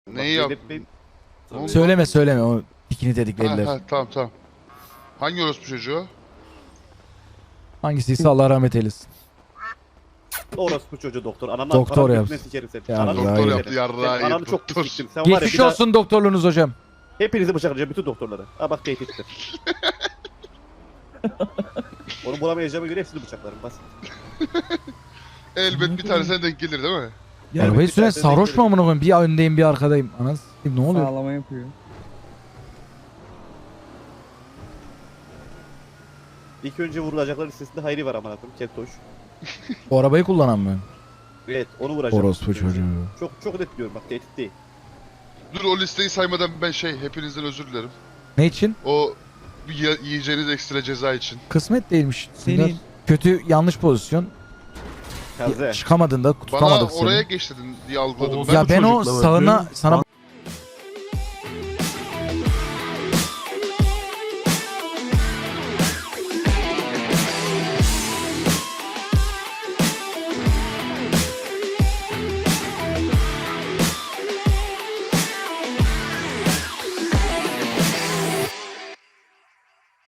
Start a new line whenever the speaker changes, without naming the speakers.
Neyi yaptın?
Belirtmeyin.
Oğlum,
Söyleme o dikini dedikleriler.
Ha, tamam. Hangi orospu çocuğu?
Hangisiyse Allah rahmet eylesin.
Orospu çocuğu doktor. Ananı
Doktor
ananı
yapsın.
götüne sikerim seni.
Ya,
Ananı
ya,
Doktor
ya.
yaptı yarrağı
Sen ananı
yedi,
çok
doktor.
siktim. Sen var ya
Geçmiş
bir daha
olsun doktorluğunuz hocam.
hepinizi bıçaklayacağım bütün doktorları. Ha bak tehdittir. Onu bulamayacağıma göre hepsini bıçaklarım basit.
Elbet bir tanesine denk gelir değil mi?
Arabayı
bir
süren
tane
sarhoş
denk
mu amına koyayım? Bir öndeyim bir arkadayım. Anasını satayım, ne oluyor?
Sağlama yapıyor.
İlk önce vurulacaklar listesinde Hayri var amına koyayım. Keltoş.
O arabayı kullanan mı?
Evet onu vuracağım.
Orospu çocuğu.
Çok net diyorum bak tehdit değil.
Dur o listeyi saymadan ben hepinizden özür dilerim.
Ne için?
O yiyeceğiniz ekstra ceza için.
Kısmet değilmiş.
Senin.
Kötü yanlış pozisyon.
Kaze.
Çıkamadın da
Bana
tutamadık seni.
oraya geç dedin diye algıladım
Oğuz-
ben.
Ya ben o
çocukla
sağına
bakıyorum.
sana